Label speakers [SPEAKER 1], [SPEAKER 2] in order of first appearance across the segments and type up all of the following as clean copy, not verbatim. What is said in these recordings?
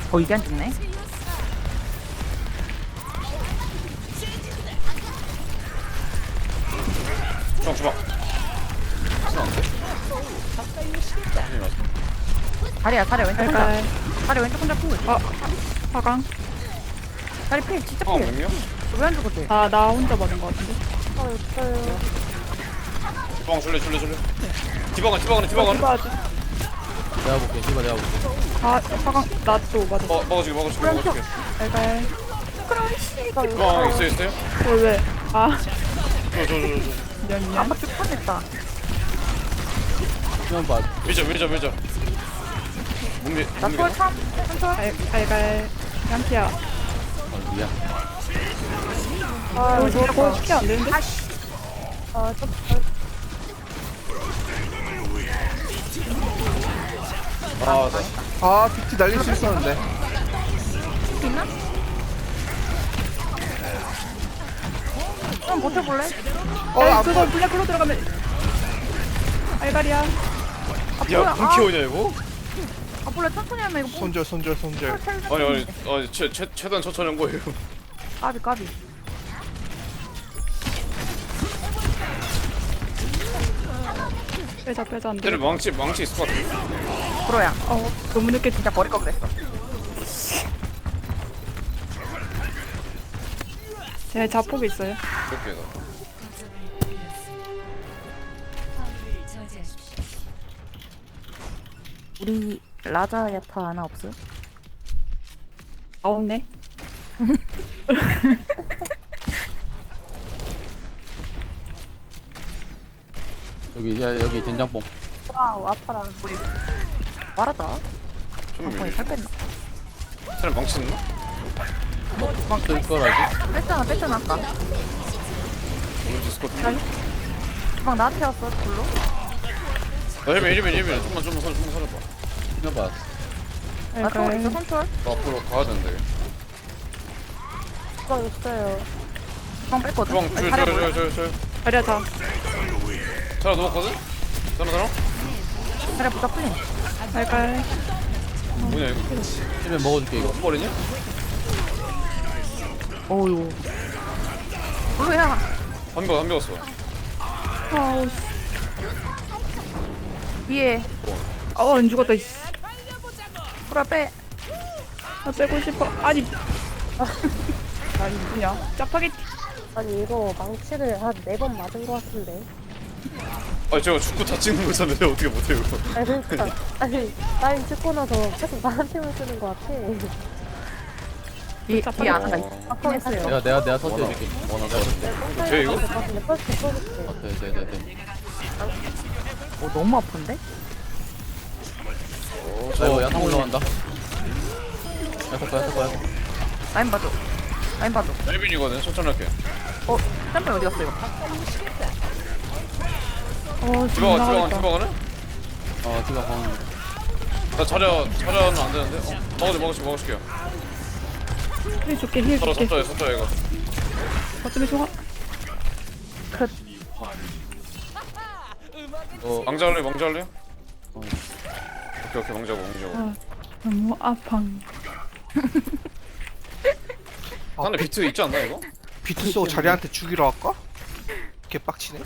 [SPEAKER 1] 이게 안 죽네.
[SPEAKER 2] 주방.
[SPEAKER 1] 다리야 왼쪽 혼자.
[SPEAKER 3] 갈갈.
[SPEAKER 1] 다리 왼쪽 혼자 풀.
[SPEAKER 3] 화강.
[SPEAKER 1] 다리 필 진짜
[SPEAKER 2] 어,
[SPEAKER 1] 필.
[SPEAKER 2] 몇명?
[SPEAKER 1] 왜 안 죽었대?
[SPEAKER 3] 나 혼자 받은 거 같은데.
[SPEAKER 2] 주방 줄래. 디바가네.
[SPEAKER 3] 디바 아직.
[SPEAKER 4] 내가 볼게. 디바 내가 볼게.
[SPEAKER 3] 화강. 나 또 맞았어.
[SPEAKER 2] 먹어줄게.
[SPEAKER 3] 갈갈.
[SPEAKER 2] 주방 있어요?
[SPEAKER 3] 왜?
[SPEAKER 2] 저.
[SPEAKER 3] 미안.
[SPEAKER 1] 아빠 쭉 뻔했다.
[SPEAKER 4] 수면 봐.
[SPEAKER 2] 밀자. 몸이
[SPEAKER 1] 나 초월 참. 천천.
[SPEAKER 3] 갈갈. 양키야.
[SPEAKER 4] 미안.
[SPEAKER 3] 저거 쉽게 안 되는데?
[SPEAKER 5] PT 날릴 수 있었는데.
[SPEAKER 1] 있나? 좀 버텨볼래?
[SPEAKER 3] 그거 블랙으로 들어가면. 알갈이야.
[SPEAKER 2] 야, 공키오냐 이거?
[SPEAKER 1] 원래 천천히 하면 이거
[SPEAKER 5] 손절.
[SPEAKER 2] 아니, 최단 천천히 한 거예요.
[SPEAKER 1] 까비.
[SPEAKER 3] 빼자 안 돼.
[SPEAKER 2] 얘네 망치 있을 것 같아.
[SPEAKER 1] 프로야.
[SPEAKER 3] 너무 늦게
[SPEAKER 1] 진짜 버릴 거 그랬어.
[SPEAKER 3] 제 자폭이 있어요.
[SPEAKER 2] 그렇게 해서.
[SPEAKER 1] 우리 라자 야타 하나 없어?
[SPEAKER 3] 없네.
[SPEAKER 4] 여기 된장뽕.
[SPEAKER 1] 와우 아파라. 우리 말하다.
[SPEAKER 2] 좀
[SPEAKER 1] 살 뺐나?
[SPEAKER 2] 사람 망치 있나?
[SPEAKER 4] 쓸 거라지.
[SPEAKER 1] 뺐잖아 아까.
[SPEAKER 2] 오렌지 있을 것 같은데.
[SPEAKER 1] 주방 나한테 왔어 불로.
[SPEAKER 2] 나 헬멧. 좀만 살려봐.
[SPEAKER 4] 수면 봐.
[SPEAKER 1] 나 초월 있어 손초월.
[SPEAKER 2] 나 앞으로 가야 되는데.
[SPEAKER 1] 주방 있어요. 주방 뺐거든.
[SPEAKER 2] 주방 줘.
[SPEAKER 3] 자리야 자.
[SPEAKER 2] 자라 넣었거든? 자라?
[SPEAKER 1] 그래 부자 풀린.
[SPEAKER 3] 갈갈.
[SPEAKER 2] 뭐냐 이거?
[SPEAKER 4] 수면 먹어줄게 이거.
[SPEAKER 2] 버리냐?
[SPEAKER 1] 어유. 블루야.
[SPEAKER 2] 한 배웠어.
[SPEAKER 3] 아우.
[SPEAKER 1] 위에
[SPEAKER 3] 안 죽었다. 이씨.
[SPEAKER 1] 불아 빼.
[SPEAKER 3] 나 빼고 싶어. 아니 누구냐? 짜파게티.
[SPEAKER 6] 아니 이거 망치를 한 4번 맞은 것 같은데.
[SPEAKER 2] 아니 제가 죽고 다 찍는 거잖아요. 어떻게 못해요 이거?
[SPEAKER 6] 아니 그러니까 아니 라인 찍고 나서 계속 나한테만 쓰는 것 같아.
[SPEAKER 1] 뒤에 아나가 있어.
[SPEAKER 6] 아까
[SPEAKER 1] 했어요.
[SPEAKER 4] 내가 터뜨려줄게. 내가 터뜨려.
[SPEAKER 2] 돼, 이거?
[SPEAKER 6] 근데 펄스 써줄게.
[SPEAKER 4] 돼.
[SPEAKER 1] 너무 아픈데?
[SPEAKER 4] 야상 올라간다. 야상.
[SPEAKER 1] 라인 봐줘.
[SPEAKER 2] 헬빈이거든. 천천히 할게.
[SPEAKER 1] 짬뽕 어디 갔어 이거?
[SPEAKER 2] 디바가네?
[SPEAKER 4] 디바 방.
[SPEAKER 2] 나 자려는 안 되는데? 먹어줄게요.
[SPEAKER 3] 힐 줄게.
[SPEAKER 2] 섰다 이거.
[SPEAKER 3] 어쩌면 좋아.
[SPEAKER 2] 망자 할래? 오케이, 망자고.
[SPEAKER 3] 너무 아팡.
[SPEAKER 2] 안에 비트 있지 않나 이거?
[SPEAKER 5] 비트 쏘고 자리한테 죽이러 갈까? 개빡치네.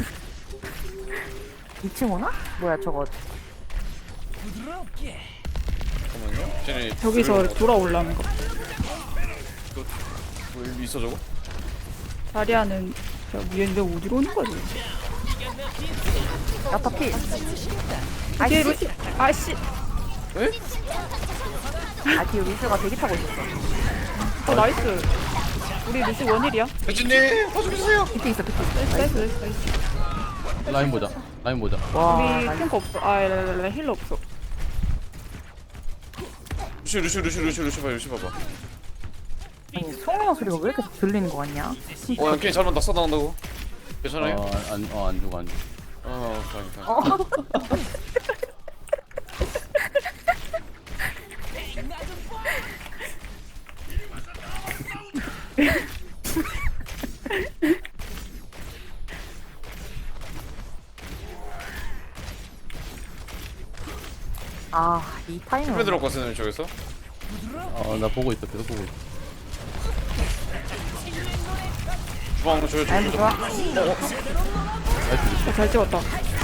[SPEAKER 1] 2층 오나? 뭐야 저거.
[SPEAKER 2] 잠깐만요. 쟤네
[SPEAKER 3] 저기서 돌아올라는 거.
[SPEAKER 2] 뭐 일이 있어 저거?
[SPEAKER 3] 자리야는 저 위에인데 어디로 오는 거지?
[SPEAKER 1] 야타 피.
[SPEAKER 3] 이게 루시. 아씨.
[SPEAKER 2] 에?
[SPEAKER 1] 뒤에 루시가 대기 타고 있었어.
[SPEAKER 3] 나이스. 우리 루시 원일이야.
[SPEAKER 2] 혜진님 봐주세요.
[SPEAKER 1] 밑에 있어.
[SPEAKER 3] 나이스.
[SPEAKER 4] 라인 보자.
[SPEAKER 1] 와.
[SPEAKER 3] 우리
[SPEAKER 1] 나
[SPEAKER 3] 탱크 없어. 힐러 없어.
[SPEAKER 2] 루시 봐봐.
[SPEAKER 1] 아니, 송영 소리가 왜 이렇게 들리는 거 같냐?
[SPEAKER 2] 야 게임 잘못 낙사 나온다고. 괜찮아요?
[SPEAKER 4] 안 죽어.
[SPEAKER 2] 다행이다.
[SPEAKER 1] 이 타이밍.
[SPEAKER 2] 스프레 들어갔거든요 저기서.
[SPEAKER 4] 나 보고 있어. 계속 보고 있어.
[SPEAKER 2] 주방 줘요.
[SPEAKER 1] 라인 좋아.
[SPEAKER 4] 나이스.
[SPEAKER 3] 잘 찍었다.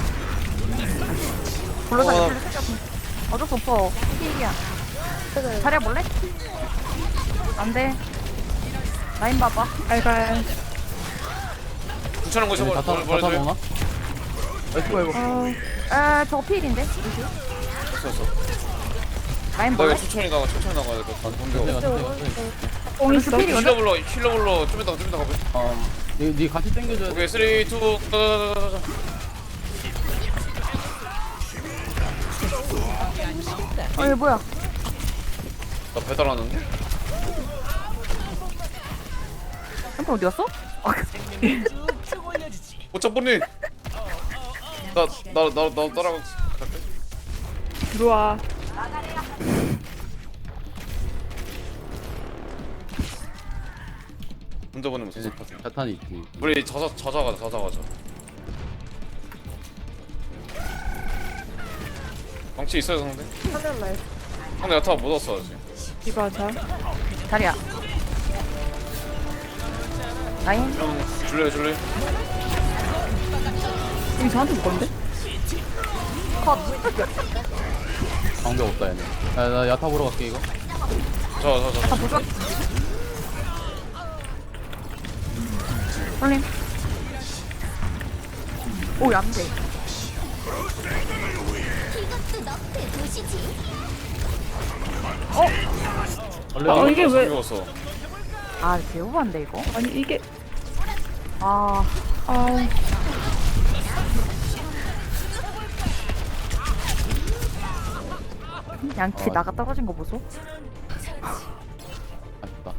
[SPEAKER 1] 불러서 어쩔 수 없어. 힐이야. 잘해볼래? 안 돼. 라인 봐봐.
[SPEAKER 3] 알갈.
[SPEAKER 2] 괜찮은 거
[SPEAKER 4] 다
[SPEAKER 2] 잡아.
[SPEAKER 4] 타
[SPEAKER 2] 버려줘요.
[SPEAKER 4] 먹나?
[SPEAKER 3] 아,
[SPEAKER 1] 저거 필인데?
[SPEAKER 2] 됐어.
[SPEAKER 1] 라인
[SPEAKER 2] 나
[SPEAKER 1] 볼래?
[SPEAKER 2] 이거 천천히 나가야 될 것 같아.
[SPEAKER 4] 선생가 선생.
[SPEAKER 3] 뽕 있어.
[SPEAKER 1] 필이
[SPEAKER 2] 힐러 불러. 좀 이따 가봐.
[SPEAKER 4] 니 같이 당겨줘야 돼.
[SPEAKER 2] 오케이 3, 2, 가자자자자.
[SPEAKER 1] 얘 뭐야?
[SPEAKER 2] 나 배달 왔는데?
[SPEAKER 1] 햄프 어디 갔어?
[SPEAKER 2] 오짜뽀니. 나 따라가. 갈게.
[SPEAKER 3] 들어와.
[SPEAKER 2] 혼자 보내면
[SPEAKER 4] 이제
[SPEAKER 2] 무슨 것 같아.
[SPEAKER 4] 자탄이 있지.
[SPEAKER 2] 우리 자자 가자. 방치 있어요 상대?
[SPEAKER 6] 하면 말.
[SPEAKER 2] 상대 야타 못 왔어 아직.
[SPEAKER 3] 이거 하자.
[SPEAKER 1] 자리야. 라인?
[SPEAKER 2] 형 줄래?
[SPEAKER 3] 이거 저한테 줄 건데?
[SPEAKER 4] 방벽 없다 얘네. 나 야타 보러 갈게 이거.
[SPEAKER 2] 자.
[SPEAKER 1] 보자. 홀림. 오, 안 돼.
[SPEAKER 4] 원래
[SPEAKER 3] 이게 왜-
[SPEAKER 2] 죽었어.
[SPEAKER 1] 아, 개우반데, 이거?
[SPEAKER 3] 아니 이게
[SPEAKER 1] 아,
[SPEAKER 3] 아
[SPEAKER 1] 양키 나가 떨어진 거 보소?
[SPEAKER 4] 아쉽다.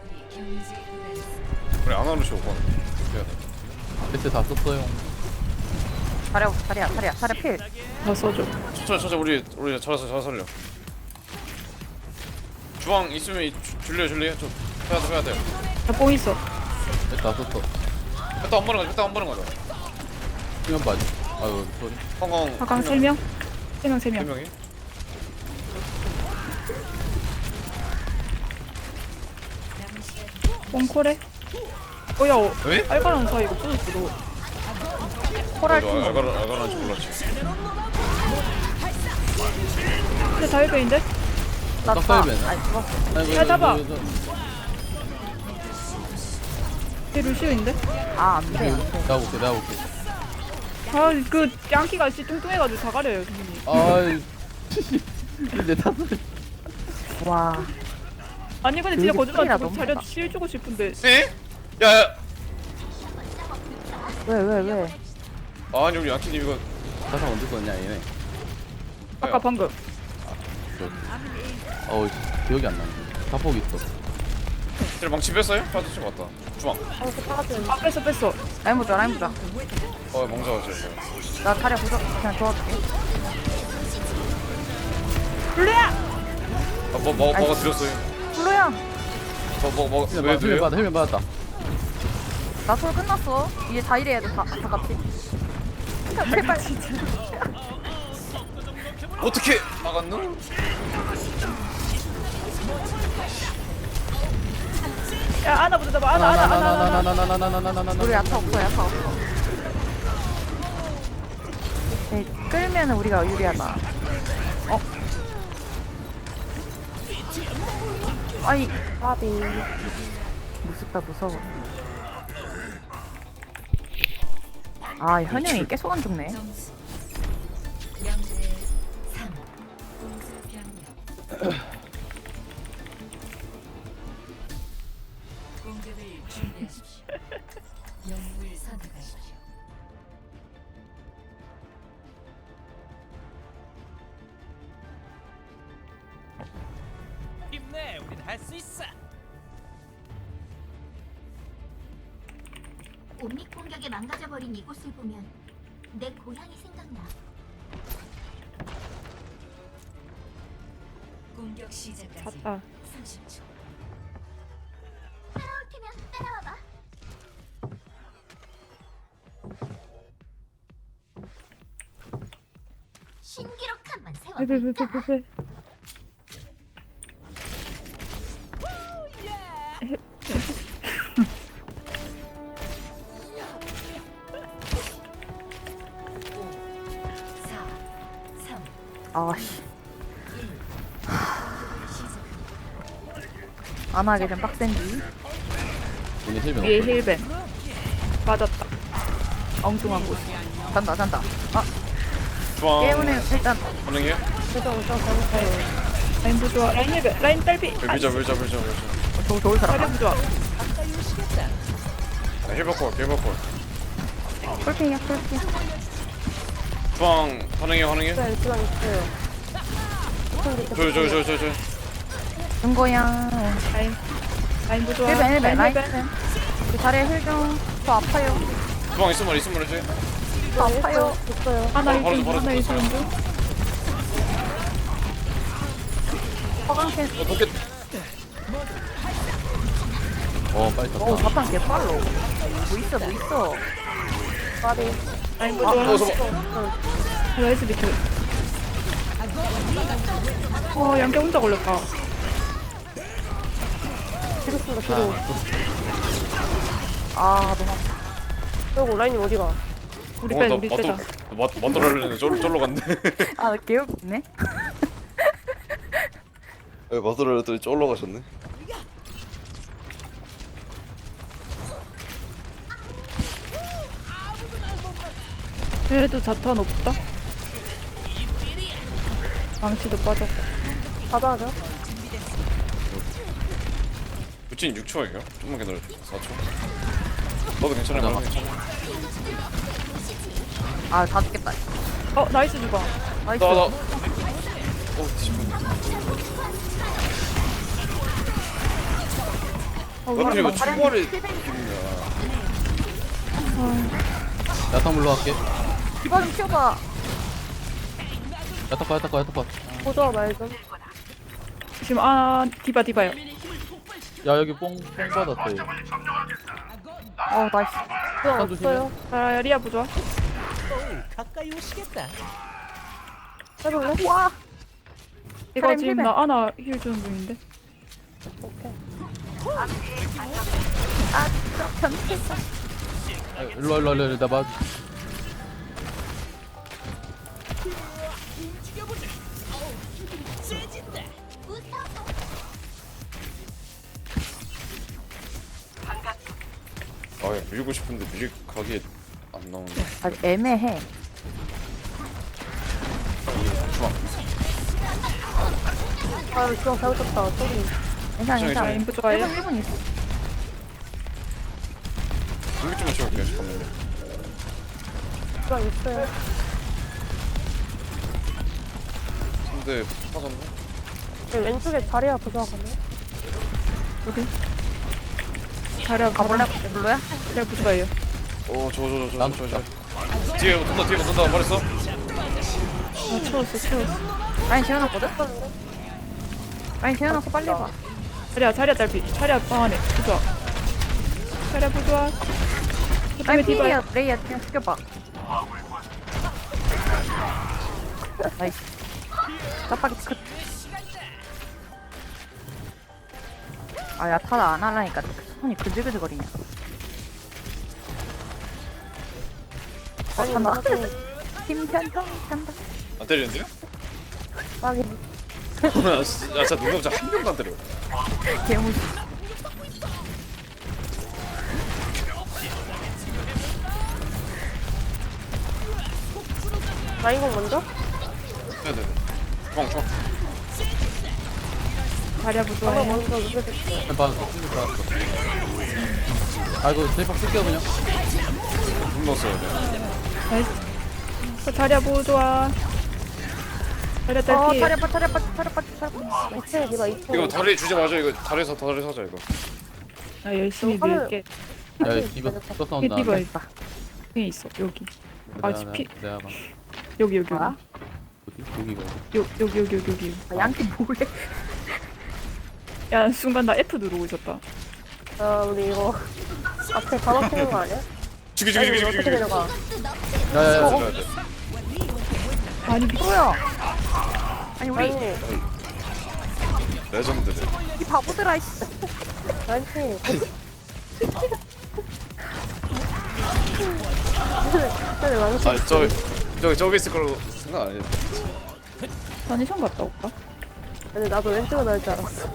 [SPEAKER 2] 우리 아나루시 오고 왔네.
[SPEAKER 4] 배트 다 썼어요.
[SPEAKER 1] 자리야, 필.
[SPEAKER 3] 다 써줘.
[SPEAKER 2] 천천히 우리 잘 살려. 주방 있으면 줄래? 저 해야 돼.
[SPEAKER 3] 나뽕 있어.
[SPEAKER 4] 배트 다 썼어.
[SPEAKER 2] 일단 한 번은 가자.
[SPEAKER 4] 수면 빠지. 아유 소리.
[SPEAKER 2] 황광
[SPEAKER 3] 아까 3명? 3명 3명.
[SPEAKER 2] 3명이?
[SPEAKER 3] 뽕콜해? 야,
[SPEAKER 2] 왜?
[SPEAKER 3] 알바라는 사이 이거 부서졌어 너.
[SPEAKER 1] 코랄
[SPEAKER 2] 맞아,
[SPEAKER 1] 팀.
[SPEAKER 2] 알가란지 몰랐지.
[SPEAKER 3] 근데 다일배인데?
[SPEAKER 1] 나
[SPEAKER 4] 떡갈비네.
[SPEAKER 1] 아니, 죽었어.
[SPEAKER 3] 야, 잡아. 얘 루시오인데?
[SPEAKER 1] 아, 안 돼.
[SPEAKER 4] 내가 볼게.
[SPEAKER 3] 아, 그 양키가 씨 뚱뚱해가지고 다 가려요 선생님.
[SPEAKER 4] 아이. 내 탓을.
[SPEAKER 1] 와.
[SPEAKER 3] 아니 근데 진짜
[SPEAKER 1] 여기
[SPEAKER 3] 거짓말
[SPEAKER 1] 스킬이라
[SPEAKER 3] 치고
[SPEAKER 1] 너무
[SPEAKER 3] 자료
[SPEAKER 1] 크다.
[SPEAKER 3] 치해주고 싶은데
[SPEAKER 2] 에? 야.
[SPEAKER 1] 왜?
[SPEAKER 2] 아니 우리 양키님 이거
[SPEAKER 4] 자탄 언제 썼냐 얘네.
[SPEAKER 3] 아까 방금
[SPEAKER 4] 어우 기억이 안 나네. 자폭 있어.
[SPEAKER 2] 쟤 망치 뺐어요? 빠졌지 맞다. 주방.
[SPEAKER 6] 빠진.
[SPEAKER 3] 아 뺐어
[SPEAKER 1] 라인 보자.
[SPEAKER 2] 망자 쟤.
[SPEAKER 1] 나 자리야 보자. 그냥 도와줄게.
[SPEAKER 3] 블루야!
[SPEAKER 2] 뭐가 드렸어요?
[SPEAKER 1] 블루야,
[SPEAKER 4] 헬멧 받았다.
[SPEAKER 1] 나 솔 끝났어. 이제 다 일해야 돼. 다 같이. 제발.
[SPEAKER 2] 어떻게 나갔노?
[SPEAKER 3] 야 아나 보자 봐 아나
[SPEAKER 4] 나나나나나나나나나나나나나나.
[SPEAKER 1] 우리 야타 없어. 네, 끌면 우리가 유리하다. 아이,
[SPEAKER 6] 바비.
[SPEAKER 1] 무서워. 아, 현영이 계속 안 죽네.
[SPEAKER 7] 힘내, 우린 할 수 있어.
[SPEAKER 8] 옴닉 공격에 망가져버린 이곳을 보면 내 고향이 생각나. 공격 시작까지
[SPEAKER 3] 갔다
[SPEAKER 8] 30초. 따라올 테면 따라와봐. 신기록 한번 세워볼까?
[SPEAKER 3] 페페페페페
[SPEAKER 1] 아씨. 안 하게 좀 빡센디.
[SPEAKER 4] 얘네 힐벤
[SPEAKER 3] 위에
[SPEAKER 4] 없어.
[SPEAKER 3] 힐벤 빠졌다. 엉뚱한 곳.
[SPEAKER 1] 잔다 잔다. 아
[SPEAKER 2] 주황
[SPEAKER 1] 깨우는 일단
[SPEAKER 2] 가능해요?
[SPEAKER 3] 라인 부좋아. 라인 힐벤. 라인 딸피.
[SPEAKER 2] 밀자.
[SPEAKER 1] 저 좋을 사람.
[SPEAKER 3] 자리 부좋아.
[SPEAKER 2] 힐 바꿔.
[SPEAKER 1] 폴핑이야 폴핑.
[SPEAKER 2] 주황 가능해요?
[SPEAKER 6] 네, 주방 있어요.
[SPEAKER 2] 저.
[SPEAKER 1] 중고양.
[SPEAKER 3] 라인 부좋아.
[SPEAKER 1] 힐벤 라인.
[SPEAKER 3] 힐벤.
[SPEAKER 1] 그 자리에 힐좀. 저 아파요.
[SPEAKER 2] 주황 있으면 해지.
[SPEAKER 1] 저 아파요.
[SPEAKER 6] 있어요.
[SPEAKER 3] 하나
[SPEAKER 2] 바로
[SPEAKER 3] 일중
[SPEAKER 2] 바로
[SPEAKER 3] 하나
[SPEAKER 2] 바로
[SPEAKER 3] 일중 중.
[SPEAKER 1] 허강캔.
[SPEAKER 2] 도켓.
[SPEAKER 4] 빨리 떴다.
[SPEAKER 1] 오 자판 개빨로. 뭐 있어.
[SPEAKER 6] 마리.
[SPEAKER 3] 라인 부좋아.
[SPEAKER 2] 잡아.
[SPEAKER 3] 나이스 비트. 양계 혼자 걸렸다.
[SPEAKER 6] 뒤로 쓴다, 뒤로.
[SPEAKER 1] 아 너무 아파.
[SPEAKER 6] 그리고 라인님 어디가?
[SPEAKER 3] 우리 빼자 우리 빼자.
[SPEAKER 2] 만들어려는 쫄로 갔네.
[SPEAKER 1] 아 개웃기네.
[SPEAKER 2] 만들어려더니 쫄로 가셨네.
[SPEAKER 3] 얘도 자탄 없다. 망치도 빠졌고.
[SPEAKER 6] 받아야죠.
[SPEAKER 2] 부친 6초예요. 좀만 기다려. 4초. 너도 괜찮아.
[SPEAKER 1] 아다 죽겠다.
[SPEAKER 3] 나이스 주방.
[SPEAKER 1] 나이스.
[SPEAKER 2] 나. 지금. 왜 이거 초월이
[SPEAKER 4] 야타 물러갈게.
[SPEAKER 1] 디바 좀 키워봐.
[SPEAKER 4] 야타 컷.
[SPEAKER 6] 보조와 말 좀.
[SPEAKER 3] 지금 디바요.
[SPEAKER 4] 야 여기 뽕 받았다 얘.
[SPEAKER 1] 나이스.
[SPEAKER 6] 주방 없어요.
[SPEAKER 3] 리아 부좋아.
[SPEAKER 7] 오, 가까이 오시겠다.
[SPEAKER 6] 해볼래?
[SPEAKER 1] 와.
[SPEAKER 3] 이거
[SPEAKER 1] 사람
[SPEAKER 3] 지금
[SPEAKER 1] 힐벤.
[SPEAKER 3] 나 아나 힐 주는 중인데.
[SPEAKER 6] 오케이.
[SPEAKER 1] 변태다.
[SPEAKER 4] 일로 나 봐.
[SPEAKER 2] 밀고 싶은데 밀 각이 안 나오네.
[SPEAKER 1] 아직 애매해.
[SPEAKER 6] 주방 잘못했다. 저기.
[SPEAKER 1] 괜찮아.
[SPEAKER 3] 라인 부좋아요.
[SPEAKER 1] 1분 있어.
[SPEAKER 2] 공기 좀 맞춰볼게요. 잠깐만요.
[SPEAKER 6] 주방 있어요.
[SPEAKER 2] 근데 빠졌네.
[SPEAKER 6] 여기 왼쪽에 자리야 보조와 가네.
[SPEAKER 3] 자리야
[SPEAKER 1] 가볼래? 별로야?
[SPEAKER 3] 자리야 부좋아요.
[SPEAKER 2] 저. 뒤에 붙는다 말했어.
[SPEAKER 3] 채웠어.
[SPEAKER 1] 라인 재워놨거든? 라인 재워놨어 빨리 봐.
[SPEAKER 3] 자리야 딸피. 자리야 방 안에 부좋아. 자리야 부좋아.
[SPEAKER 1] 라인
[SPEAKER 3] 디바.
[SPEAKER 1] 필이야. 레이야 그냥 죽여봐. 나이스. 짜파기 끝. 야 타다 안 하려니까 손이 그질그질거리냐. 잔다. 팀편형 잔다.
[SPEAKER 2] 안 때리는데요?
[SPEAKER 6] 마리.
[SPEAKER 2] 진짜 능력자 한 명도 안 때려.
[SPEAKER 1] 개무시.
[SPEAKER 6] 라인공 먼저?
[SPEAKER 2] 네네. 주황.
[SPEAKER 3] 자리야
[SPEAKER 6] 방금
[SPEAKER 3] 부좋아요.
[SPEAKER 6] 먼저 누르겠어.
[SPEAKER 4] 받았어. 이거 대박 쓸게요 그냥.
[SPEAKER 2] 돈 넣었어요. 네.
[SPEAKER 3] 나이스. 자리야 부좋아. 자리야 딸피.
[SPEAKER 1] 차려봐.
[SPEAKER 6] 2층에 디바 2층에.
[SPEAKER 2] 이거 다리 주지 마죠. 이거 다리 사자 이거.
[SPEAKER 3] 나 열심히
[SPEAKER 6] 이거
[SPEAKER 3] 밀게.
[SPEAKER 4] 야 이거 또 싸운다.
[SPEAKER 3] 디바 여기 있어 여기.
[SPEAKER 4] 내가 봐.
[SPEAKER 3] 여기.
[SPEAKER 1] 뭐야?
[SPEAKER 3] 여기.
[SPEAKER 1] 양키 뭐래?
[SPEAKER 3] 야 순간 나 F 누르고 있었다.
[SPEAKER 6] 우리 이거 앞에 다 막히는 거 아니야?
[SPEAKER 2] 죽이.
[SPEAKER 6] 어떻게 내려가?
[SPEAKER 4] 야야야.
[SPEAKER 3] 아니
[SPEAKER 1] 뭐야? 아니 우리
[SPEAKER 6] 라인님.
[SPEAKER 2] 레전드네.
[SPEAKER 1] 이 바보들아 이씨.
[SPEAKER 6] 라인님. 저기 망치.
[SPEAKER 2] 저기 있을 거라고 생각 안 했는데.
[SPEAKER 3] 다니션 갔다 올까?
[SPEAKER 6] 근데 나도 왼쪽으로 나올 줄 알았어.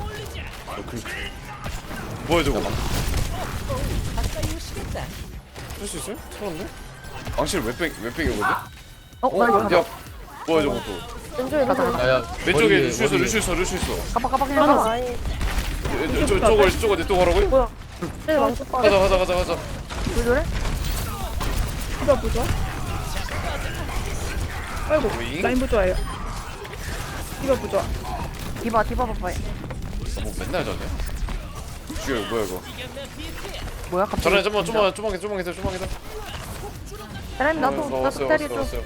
[SPEAKER 2] 뭐야 저거?
[SPEAKER 7] 가까이 오시겠다.
[SPEAKER 2] 할 수 있어요? 살았네? 망치를 왜 빼기거든?
[SPEAKER 1] 나 이거
[SPEAKER 2] 야 뭐야 저거 또?
[SPEAKER 6] 왼쪽에
[SPEAKER 1] 가자,
[SPEAKER 6] 누구?
[SPEAKER 1] 가자.
[SPEAKER 4] 야야
[SPEAKER 2] 왼쪽에 루슈 있어 루슈 있어.
[SPEAKER 1] 가봐 그냥 가봐.
[SPEAKER 6] 아니,
[SPEAKER 2] 저거 내 또 가라고요?
[SPEAKER 6] 뭐야. 쟤 망치 빠져.
[SPEAKER 2] 가자.
[SPEAKER 1] 왜 저래?
[SPEAKER 3] 디바 부좋아? 아이고
[SPEAKER 2] 오잉?
[SPEAKER 3] 라인 부좋아요. 디바 부좋아.
[SPEAKER 1] 디바 봐봐.
[SPEAKER 2] 뭐 맨날 저네? 죽여 뭐야 이거?
[SPEAKER 1] 뭐야 갑자기?
[SPEAKER 2] 저런 좀만 기다려.
[SPEAKER 1] 사람 나도 때려줘.
[SPEAKER 2] 왔어요.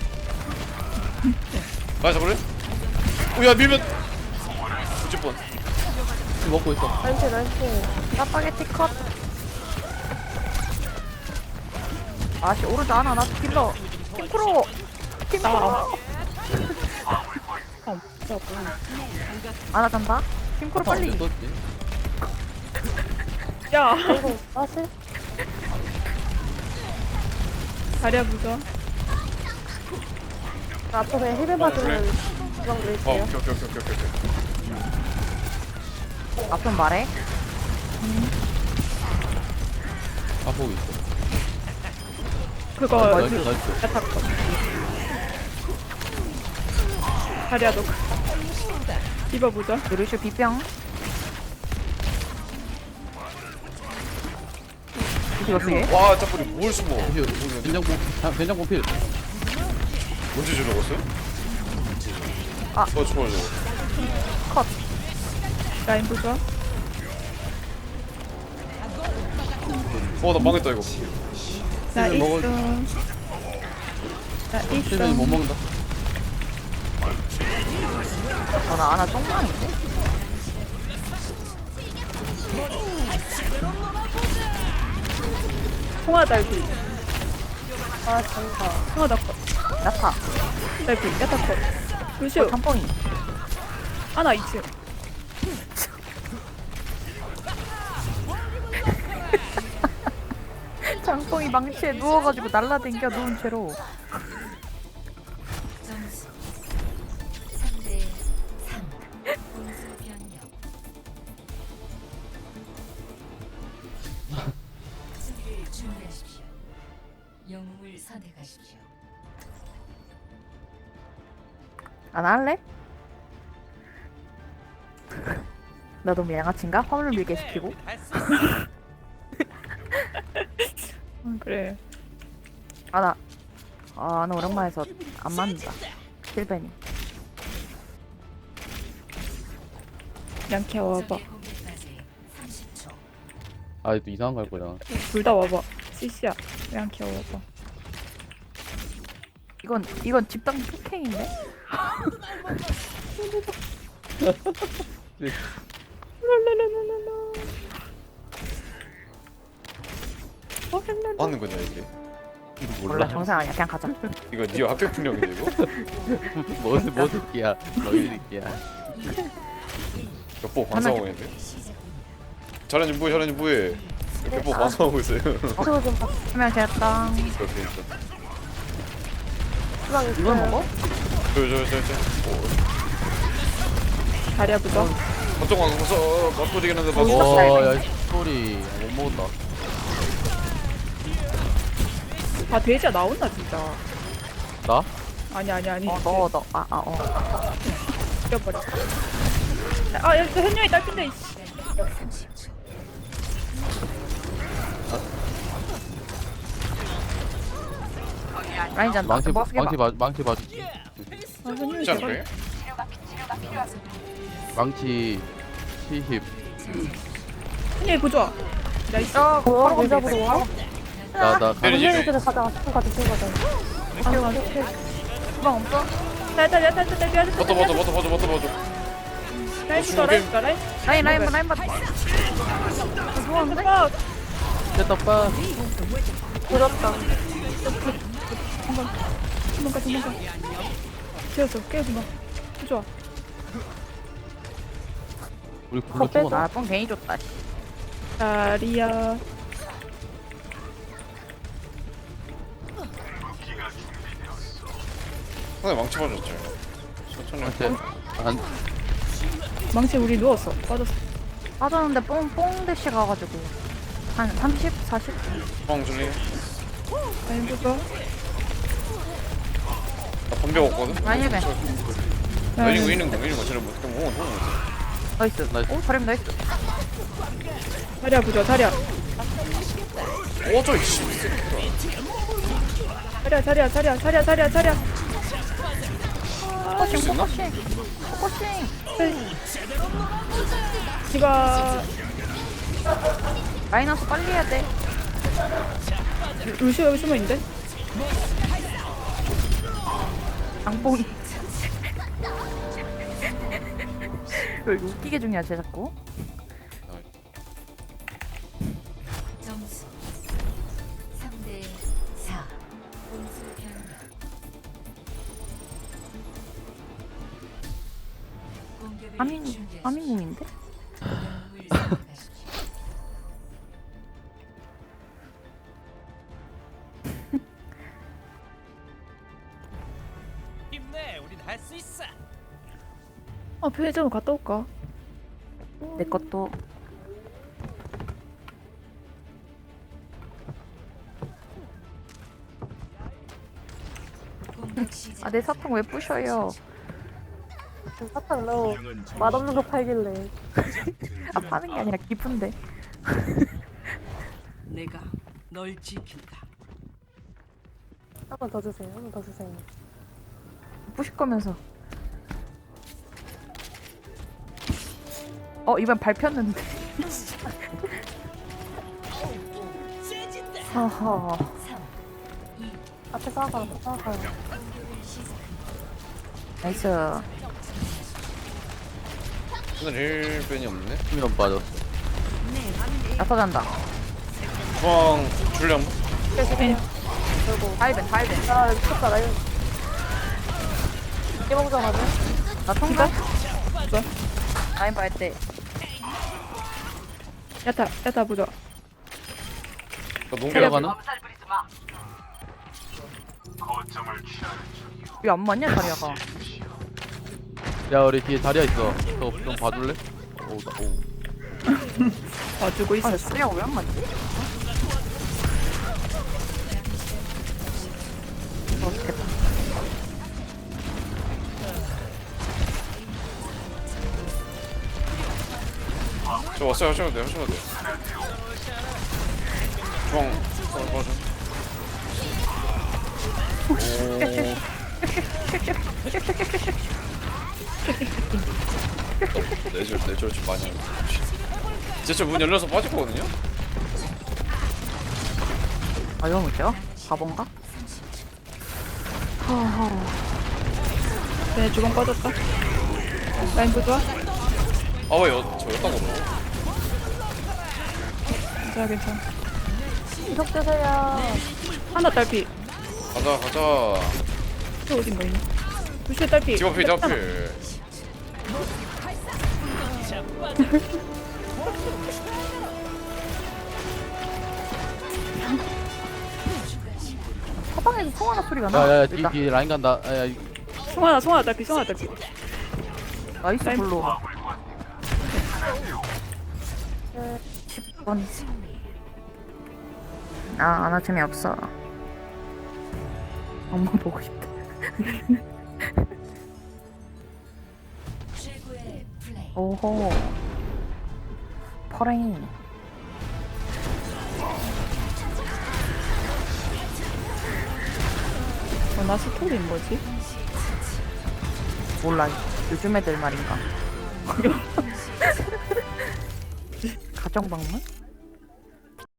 [SPEAKER 2] 나 잡을래? 오야 밀면. 어쩔 뻔.
[SPEAKER 4] 먹고 있어.
[SPEAKER 6] 나이스.
[SPEAKER 1] 짜파게티 컷. 아씨 오르지 않아. 나 킬러. 팀프로.
[SPEAKER 3] 아 진짜
[SPEAKER 1] 아나 잔다. 팀프로 빨리.
[SPEAKER 3] 야
[SPEAKER 6] 아이고, 사실?
[SPEAKER 3] 다리야 부좋아.
[SPEAKER 6] 나 앞으로 그냥 힐을 맞으면 주방 드릴게요.
[SPEAKER 2] 오케이.
[SPEAKER 1] 앞선 말해.
[SPEAKER 4] 아보고 있어.
[SPEAKER 3] 그거
[SPEAKER 4] 나이스 나이스.
[SPEAKER 3] 야타 거. 다리야 너. 디바 부좋아.
[SPEAKER 1] 루슈 비병. 이거 어떻게?
[SPEAKER 2] 와 짜뿌리 뭘 숨어?
[SPEAKER 4] 된장국 필.
[SPEAKER 2] 언제 줄 먹었어요?
[SPEAKER 1] 아.
[SPEAKER 2] 저거.
[SPEAKER 3] 라인 부좋아.
[SPEAKER 2] 나 망했다 이거.
[SPEAKER 3] 나
[SPEAKER 4] 실은 먹을-
[SPEAKER 3] 있어. 나
[SPEAKER 4] 실은 못
[SPEAKER 3] 있어.
[SPEAKER 4] 먹는다.
[SPEAKER 1] 나 아나 똥망인데?
[SPEAKER 3] 통화 달비.
[SPEAKER 6] 아, 진짜.
[SPEAKER 3] 통화 닭거.
[SPEAKER 1] 나타.
[SPEAKER 3] 달비. 야타 거. 루시오.
[SPEAKER 1] 짬뽕이.
[SPEAKER 3] 아나 2층.
[SPEAKER 1] 짬뽕이 망치에 누워가지고 날라댕겨 누운 채로.
[SPEAKER 8] 점수 3대 3. 공수 변경. 수비를 준비하십시오. 영웅을 선택하십시오.
[SPEAKER 1] 안 할래? 나 너무 양아친가? 화물을 밀게 시키고.
[SPEAKER 3] 그래.
[SPEAKER 1] 나 오랜만에 해서 안 맞는다. 실베니.
[SPEAKER 3] 양키야 와봐.
[SPEAKER 8] 공격까지 30초.
[SPEAKER 4] 아 또 이상한 거 할 거잖아.
[SPEAKER 3] 둘 다 와봐. CC야. 양키야 와봐.
[SPEAKER 1] 이건 집단 폭행인데?
[SPEAKER 2] 뭐 하는 거냐 이게?
[SPEAKER 1] 몰라 정상 아니야. 그냥 가자.
[SPEAKER 2] 이거 네 학교 분량인데 이거?
[SPEAKER 4] 뭐 새끼야. 너희 새끼야.
[SPEAKER 2] 몇번 반성하고 있는데? 잘하니 뭐해? 몇번 반성하고 있어요.
[SPEAKER 6] 저거 좀 봐.
[SPEAKER 1] 한명 됐다.
[SPEAKER 2] 이렇게
[SPEAKER 6] 주방 있어요.
[SPEAKER 1] 이걸 먹어?
[SPEAKER 3] 다리야 부좋아.
[SPEAKER 2] 걱정 마 가서 맞고 되겠는데
[SPEAKER 4] 와야 소리 못 먹었다.
[SPEAKER 3] 아 돼지야 나온다 진짜.
[SPEAKER 4] 나?
[SPEAKER 3] 아니.
[SPEAKER 1] 너.
[SPEAKER 3] 죽여버려. 아 여기 현영이 딸핀데.
[SPEAKER 1] 라인 잔다.
[SPEAKER 4] 망치
[SPEAKER 1] 뭐 쓰게 봐.
[SPEAKER 4] 망치 봐줘.
[SPEAKER 3] 아 현영이
[SPEAKER 2] 쉽지
[SPEAKER 3] 제발.
[SPEAKER 2] 않을까요?
[SPEAKER 4] 망치 70.
[SPEAKER 3] 현영이 부좋아. 나이스.
[SPEAKER 6] 뭐야,
[SPEAKER 1] 바로
[SPEAKER 6] 왜
[SPEAKER 1] 가면
[SPEAKER 6] 잡으러 와?
[SPEAKER 4] 나나
[SPEAKER 2] 때리지.
[SPEAKER 6] 선생님들은 가자. 지금 가자.
[SPEAKER 1] 주방 없어?
[SPEAKER 3] 야타.
[SPEAKER 2] 버터.
[SPEAKER 3] 라인 부좋아.
[SPEAKER 1] 라인 받.
[SPEAKER 3] 좋아하는데?
[SPEAKER 4] 됐다 빠.
[SPEAKER 6] 부럽다.
[SPEAKER 3] 도망가. 되었어. 깨우지 마. 부좋아.
[SPEAKER 4] 우리 불러 죽었나?
[SPEAKER 1] 나뽕 괜히 줬다.
[SPEAKER 3] 다리야.
[SPEAKER 2] 상대 망치 맞았죠. 천천히
[SPEAKER 4] 망치 안
[SPEAKER 3] 망치 우리 누웠어. 빠졌어.
[SPEAKER 1] 빠졌는데 뽕 대시 가가지고 한 30, 40?
[SPEAKER 2] 주방 줄리
[SPEAKER 3] 라인 부좋아.
[SPEAKER 2] 나 번벽 없거든?
[SPEAKER 1] 라인 힐벤.
[SPEAKER 2] 위는 거 쟤네 못 호응
[SPEAKER 1] 나이스.
[SPEAKER 4] 나이스.
[SPEAKER 1] 오, 잘했네, 나이스.
[SPEAKER 3] 자리야 부좋아. 자리야.
[SPEAKER 2] 어저 이씨
[SPEAKER 3] 자리야.
[SPEAKER 2] 할수 있나?
[SPEAKER 1] 포커싱.
[SPEAKER 3] 디바.
[SPEAKER 1] 마이너스 빨리 해야 돼.
[SPEAKER 3] 루시오 여기 숨어 있는데?
[SPEAKER 1] 장봉이. 왜 이거 웃기게 중요하 쟤 자꾸?
[SPEAKER 7] 점수 3대 4. 공수 변경. 공격을 준비하십시오.
[SPEAKER 1] 하민궁인데?
[SPEAKER 7] 영웅을 선택하십시오.
[SPEAKER 9] 힘내, 우린 할 수 있어.
[SPEAKER 3] 편의점 갔다 올까?
[SPEAKER 1] 내 것도.
[SPEAKER 7] 공격 시작.
[SPEAKER 1] 아, 내 사탕 왜 부셔요?
[SPEAKER 6] 사탕 너무 맛없는 거 팔길래.
[SPEAKER 1] 아, 파는 게 아니라 기쁜데.
[SPEAKER 7] 내가 널 지킨다.
[SPEAKER 6] 한 번 더 주세요. 한 번 더 주세요.
[SPEAKER 1] 부실 거면서. 이번 밟혔는데. 허허.
[SPEAKER 6] 앞에 싸워가요.
[SPEAKER 1] 나이스.
[SPEAKER 2] 오늘 힐벤이 없네
[SPEAKER 4] 수면 빠졌어.
[SPEAKER 1] 나서잔다.
[SPEAKER 2] 주방 줄렴
[SPEAKER 1] 다이벤.
[SPEAKER 6] 아, 미쳤다. 나 이거. 이게 먹자마자.
[SPEAKER 1] 나 통과? 라인 밟을 때.
[SPEAKER 3] 야타 부좋아.
[SPEAKER 2] 나 농기
[SPEAKER 4] 들어가나?
[SPEAKER 1] 왜 안 맞냐, 자리야가.
[SPEAKER 4] 야 우리 뒤에 자리야 있어. 너 좀 봐줄래? 오.
[SPEAKER 3] 봐주고
[SPEAKER 1] 아,
[SPEAKER 3] 있었어.
[SPEAKER 1] 자리야가 왜 안 맞지? 좋겠다.
[SPEAKER 2] 저 왔어요 하셔도 돼 주방 맞아 내절 좀 많이 하네 진짜 문 열려서 빠졌거든요?
[SPEAKER 1] 아, 이거 뭐죠? 바본가? 허허.
[SPEAKER 3] 네, 주방 빠졌다. 라인 부좋아.
[SPEAKER 2] 아왜 저였다고
[SPEAKER 3] 괜찮아.
[SPEAKER 6] 이석 주세요.
[SPEAKER 3] 하나 딸피.
[SPEAKER 2] 가자
[SPEAKER 3] 또 어딘가 있네. 루시오 딸피.
[SPEAKER 2] 집 앞에
[SPEAKER 1] 사방에서 송하나 소리가 나.
[SPEAKER 4] 야야야
[SPEAKER 1] 일단.
[SPEAKER 4] 뒤 라인 간다. 야
[SPEAKER 3] 송하나 딸피.
[SPEAKER 1] 나이스
[SPEAKER 3] 라인.
[SPEAKER 1] 블루. 10번. 아, 아나 재미없어. 엄마 보고 싶다.
[SPEAKER 7] 최고의 플레이.
[SPEAKER 1] 오호. 퍼레인.
[SPEAKER 3] 나 스토리인 뭐지?
[SPEAKER 1] 몰라. 요즘 애들 말인가. 가정방문?